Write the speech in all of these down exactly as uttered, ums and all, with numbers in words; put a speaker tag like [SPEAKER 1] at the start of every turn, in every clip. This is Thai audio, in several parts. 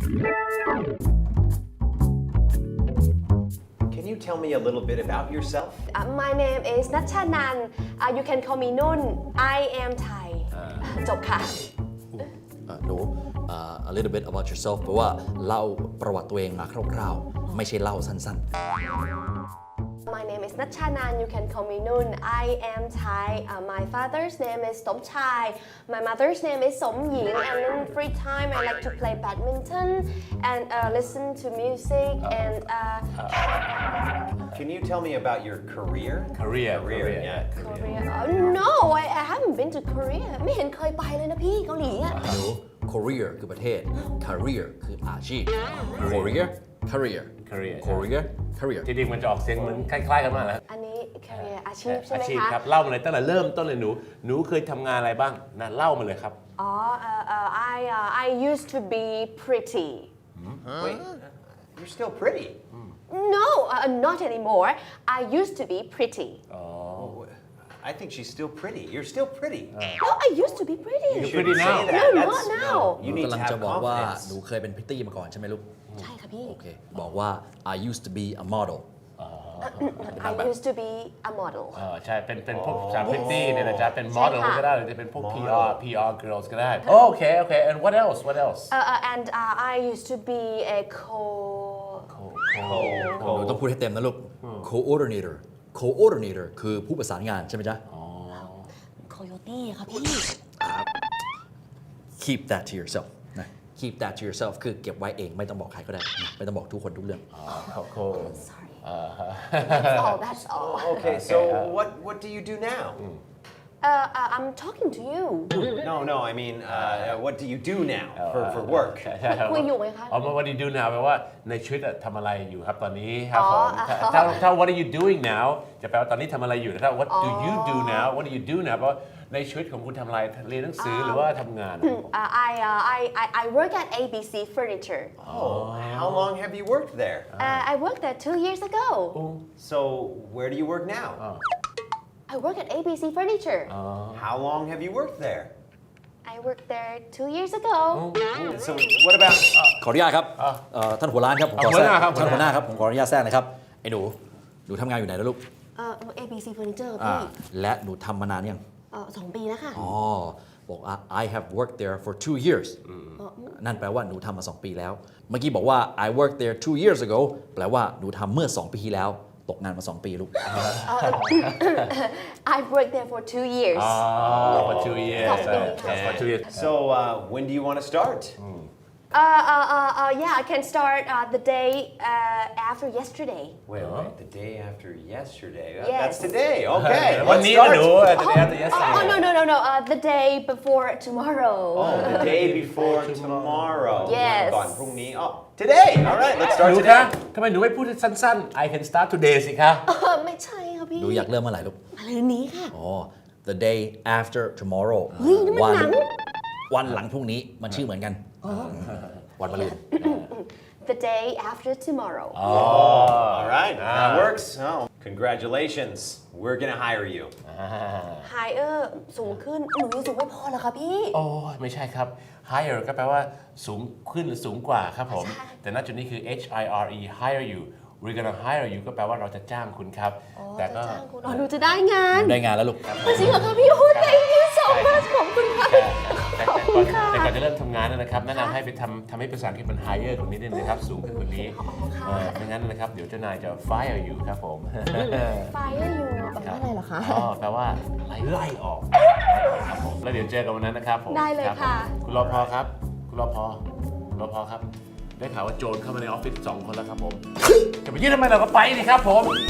[SPEAKER 1] Can you tell me a little bit about yourself?
[SPEAKER 2] Uh, my name is Natchanan. Uh, you can call me Nun. I am Thai. จบค่ะ
[SPEAKER 3] หนู a little bit about yourself แปลว่าเล่าประวัติตัวเองมาคร่าวๆไม่ใช่เล่าสั้น
[SPEAKER 2] My name is Natchanan. You can call me Nun. I am Thai. Uh, my father's name is Somchai. My mother's name is Somying. And in free time, I like to play badminton and uh, listen to music. And uh,
[SPEAKER 1] Can you tell me about your career?
[SPEAKER 4] Career,
[SPEAKER 1] Career,
[SPEAKER 4] career.
[SPEAKER 1] yeah.
[SPEAKER 2] Korea. Oh, no, I, I haven't been to Korea. ไม่เห็นเคยไปเลยนะพี่เกาหลีอะ
[SPEAKER 3] ๆหนู career คือประเทศ career คืออาชีพ career career
[SPEAKER 4] Career
[SPEAKER 3] career career
[SPEAKER 4] จริงๆมันจะออกเสียงเหมือนคล้ายๆกันมากแล้ว
[SPEAKER 2] อันนี้ career อาชีพใช่ไหม
[SPEAKER 4] อาชีพ
[SPEAKER 2] คะ
[SPEAKER 4] ครับเล่ามาเลยตั้งแต่เริ่มต้นเลยหนูหนูเคยทำงานอะไรบ้างนะเล่ามาเลยครับ
[SPEAKER 2] อ๋อ uh, uh, I uh, I used to be pretty.
[SPEAKER 1] Wait, you're still pretty.
[SPEAKER 2] No, uh, not anymore. I used to be pretty.
[SPEAKER 1] Oh, I think she's still pretty. You're still pretty.
[SPEAKER 2] No, I used to be pretty.
[SPEAKER 1] You
[SPEAKER 4] pretty
[SPEAKER 1] shouldn't
[SPEAKER 4] now.
[SPEAKER 1] say that.
[SPEAKER 2] No,
[SPEAKER 1] That's-
[SPEAKER 2] not now.
[SPEAKER 1] no,
[SPEAKER 3] ห
[SPEAKER 1] you
[SPEAKER 3] นู
[SPEAKER 1] need
[SPEAKER 3] กำลั
[SPEAKER 1] to
[SPEAKER 3] งจะ
[SPEAKER 1] have
[SPEAKER 3] บอกว่าหนู
[SPEAKER 1] confidence.
[SPEAKER 3] เคยเป็นพิตตี้มาก่อนใช่ไหมลูก
[SPEAKER 2] ใช่ค่ะพี่
[SPEAKER 3] โอเค บอกว่า I used to be a model
[SPEAKER 2] I used to be a model.
[SPEAKER 4] เออใช่เป็นเป็นพวกสาวพริตตี้เนี่ยนะจ๊ะเป็นโมเดล
[SPEAKER 2] ใช่ค่ะ
[SPEAKER 4] ก็ได้หรือจะเป็นพวก พี อาร์ พี อาร์ girls ก็ได้โอเคโอเค and what else what else
[SPEAKER 2] Uh, uh, and uh, I used to be a co.
[SPEAKER 3] หนูต้องพูดให้เต็มนะลูก coordinator coordinator คือผู้ประสานงานใช่ไหมจ๊ะ
[SPEAKER 2] coyote ค่ะพี่
[SPEAKER 3] keep that to yourself นะ keep that to yourself คือเก็บไว้เองไม่ต้องบอกใครก็ได้นะไม่ต้องบอกทุกคนทุกเรื่อง
[SPEAKER 2] Sorry. That's all. That's all.
[SPEAKER 1] Okay, so what what do you do now?
[SPEAKER 2] Uh, uh, I'm talking to you.
[SPEAKER 1] No, no, I mean, uh, what do you do now for, for work?
[SPEAKER 4] ใช่ครับ
[SPEAKER 2] คุยอยู่ไหมคะ
[SPEAKER 4] อ๋อ what do you do now แปลว่าในชีวิตอะทำอะไรอยู่ครับตอนนี้ครับ
[SPEAKER 2] อ๋
[SPEAKER 4] ผ
[SPEAKER 2] อ
[SPEAKER 4] มถ้าถ้าถ้า what are you doing now จะแปลว่าตอนนี้ทำอะไรอยู่นะครับ what do you do now what do you do now เพราะในชีวิตของคุณทำอะไรเรียนหนังสือหรือว่าทำงานนะครับผม
[SPEAKER 2] Uh, I, uh, I, I I work at A B C Furniture.
[SPEAKER 1] Oh, how long have you worked there?
[SPEAKER 2] Uh, I worked there two years ago.
[SPEAKER 1] So, where do you work now?
[SPEAKER 2] I work at A B C Furniture.
[SPEAKER 1] How long have you worked there?
[SPEAKER 2] I worked there two years ago.
[SPEAKER 1] So, what about?
[SPEAKER 3] ขออนุญาตครับเอ่อท่านหัวร้านครับผมขอ
[SPEAKER 4] หัว
[SPEAKER 3] แทร
[SPEAKER 4] ห
[SPEAKER 3] ก
[SPEAKER 4] น้าครับ
[SPEAKER 3] ท่านหัวหน้าครับผมขออนุญาตแทรกนะครับไอ้หนูหนูทำงานอยู่ไหนนะลูก
[SPEAKER 2] เอ่อ A B C Furniture
[SPEAKER 3] อ่า
[SPEAKER 2] พี่
[SPEAKER 3] และหนูทำมานานยัง
[SPEAKER 2] เอ่อสองปีแล้วค่ะ
[SPEAKER 3] อ๋อบอกว่า I have worked there for two years นั่นแปลว่าหนูทำมาสองปีแล้ว เมื่อกี้บอกว่า I worked there two years ago แปลว่าหนูทำเมื่อสองปีที่แล้วตกงานมาสองปีลูก
[SPEAKER 2] I've worked there for two years.
[SPEAKER 4] Oh, for two years.
[SPEAKER 2] สองปีค่ะ
[SPEAKER 4] Okay. For two years.
[SPEAKER 1] So, uh, when do you want to start?
[SPEAKER 2] Uh, uh, uh, uh, yeah, I can start uh, the day uh, after yesterday.
[SPEAKER 1] Wait, wait, the day after yesterday. That-
[SPEAKER 2] Yes.
[SPEAKER 1] That's today. Okay,
[SPEAKER 4] วัน
[SPEAKER 1] let's
[SPEAKER 4] นี้นะหนู
[SPEAKER 1] start.
[SPEAKER 4] จะได้จะ yesterday
[SPEAKER 2] Oh, no, no, no, no. Uh, the day before tomorrow.
[SPEAKER 1] Oh, the day before tomorrow.
[SPEAKER 2] Yes.
[SPEAKER 1] ก่อนพรุ่งนี้ Oh, today. All right, let's
[SPEAKER 4] ห
[SPEAKER 1] start
[SPEAKER 4] นูคะ
[SPEAKER 1] today.
[SPEAKER 4] ทำไมหนูไม่พูดสั้นๆ I can start today สิคะ
[SPEAKER 2] เออไม่ใช่ค่ะพี่
[SPEAKER 3] หนูอยากเริ่มเมื่อไหร่ลูก
[SPEAKER 2] อะไรนี้ค่ะ
[SPEAKER 3] อ๋อ the day after tomorrow
[SPEAKER 2] เฮ้ยนี่มันหนัง
[SPEAKER 3] วันหลังพรุ่งนี้มันชื่อเหมือนกันวันมะรืน
[SPEAKER 2] The day after tomorrow.
[SPEAKER 1] All right, that works. Oh, congratulations. We're gonna hire you.
[SPEAKER 2] Higher สูงขึ้นหนูยังสูงไม่พอเหรอคะพี่
[SPEAKER 4] โอ้ยไม่ใช่ครับ higher ก็แปลว่าสูงขึ้นหรือสูงกว่าครับผม
[SPEAKER 2] ใช่
[SPEAKER 4] แต่ณจุดนี้คือ H I R E hire you we're gonna hire you ก็แปลว่าเราจะจ้างคุณครับ แต่ก็
[SPEAKER 2] จะจ้างคุณอ๋อหนูจะได้งาน
[SPEAKER 3] ได้งานแล้วลูก
[SPEAKER 2] จริงเหรอคะพี่โอ้ thank you so much ขอบคุณค่ะ
[SPEAKER 4] แต่
[SPEAKER 2] ขอบ
[SPEAKER 4] แต่
[SPEAKER 2] คุ
[SPEAKER 4] ก่อน
[SPEAKER 2] ณค่ะ
[SPEAKER 4] แต่ก่อนจะเริ่มทำงานนะครับแนะนำให้ไปทำทำให้ภาษาอังกฤษมัน higher กว่านี้นิดนึงนะครับ สูงขึ้นกว่านี้เออไม่งั้นนะครับ เดี๋ยวเจ้านายจะ fire you ครับผม
[SPEAKER 2] Fire you แปลว่าอะไรเหรอคะ
[SPEAKER 4] อ๋อแปลว่าไล่ไล่ออกครับผมแล้วเดี๋ยวเจอกันวันนั้นนะครับผม
[SPEAKER 2] ได้เลย
[SPEAKER 4] รับผม
[SPEAKER 2] ค่ะ
[SPEAKER 4] คุณรอพอครับ คุณรอพอคุณรอพอครับ ได้ข่าวว่าโจรเข้ามาในออฟฟิศสองคนแล้วครับผม จะไปยื่นทำไมเราก็ไปดิครับผม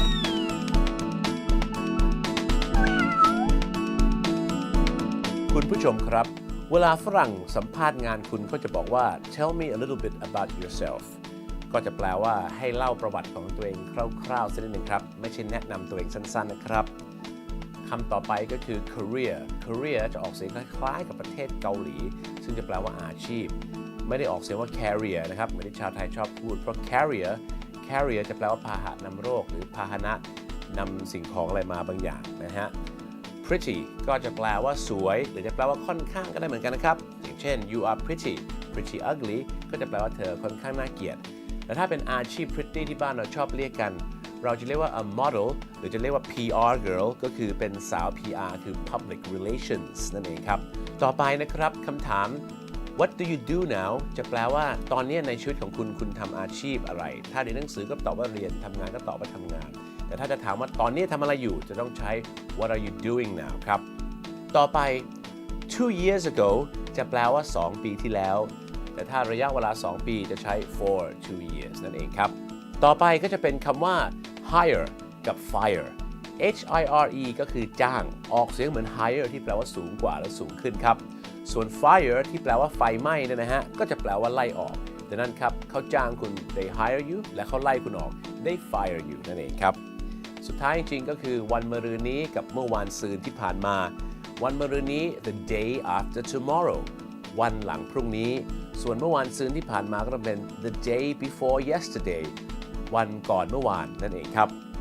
[SPEAKER 4] คุณผู้ชมครับ เวลาฝรั่งสัมภาษณ์งานคุณก็จะบอกว่า tell me a little bit about yourself ก็จะแปลว่าให้เล่าประวัติของตัวเองคร่าวๆสักนิดหนึ่งครับ ไม่ใช่แนะนำตัวเองสั้นๆนะครับคำต่อไปก็คือ career career จะออกเสียงคล้ายๆกับประเทศเกาหลี ซึ่งจะแปลว่าอาชีพ ไม่ได้ออกเสียงว่า carrier นะครับเหมือนที่ชาวไทยชอบพูดเพราะ carrier carrier จะแปลว่าพาหะนำโรคหรือพาหนะนำสิ่งของอะไรมาบางอย่างนะฮะ pretty ก็จะแปลว่าสวยหรือจะแปลว่าค่อนข้างก็ได้เหมือนกันนะครับอย่างเช่น you are pretty pretty ugly ก็จะแปลว่าเธอค่อนข้างน่าเกลียดแต่ถ้าเป็นอาชีพ pretty ที่บ้านเราชอบเรียกกันเราจะเรียกว่า a model หรือจะเรียกว่า พี อาร์ girl ก็คือเป็นสาว พี อาร์ คือ public relations นั่นเองครับต่อไปนะครับคำถาม what do you do now จะแปลว่าตอนนี้ในชีวิตของคุณคุณทำอาชีพอะไรถ้าเรียนหนังสือก็ตอบว่าเรียนทำงานก็ตอบว่าทำงานแต่ถ้าจะถามว่าตอนนี้ทำอะไรอยู่จะต้องใช้ what are you doing now ครับต่อไป two years ago จะแปลว่าสองปีที่แล้วแต่ถ้าระยะเวลาสองปีจะใช้ for two years นั่นเองครับต่อไปก็จะเป็นคำว่า hire กับ fire H I R E ก็คือจ้างออกเสียงเหมือน higher ที่แปลว่าสูงกว่าและสูงขึ้นครับส่วน fire ที่แปลว่าไฟไหม้เนี่ยนะฮะก็จะแปลว่าไล่ออกดังนั้นครับเขาจ้างคุณ they hire you และเขาไล่คุณออก they fire you นั่นเองครับสุดท้ายจริงๆก็คือวันมะรืนนี้กับเมื่อวานซืนที่ผ่านมาวันมะรืนนี้ the day after tomorrow วันหลังพรุ่งนี้ส่วนเมื่อวานซืนที่ผ่านมาก็ต้องเป็น the day before yesterday วันก่อนเมื่อวานนั่นเองครับ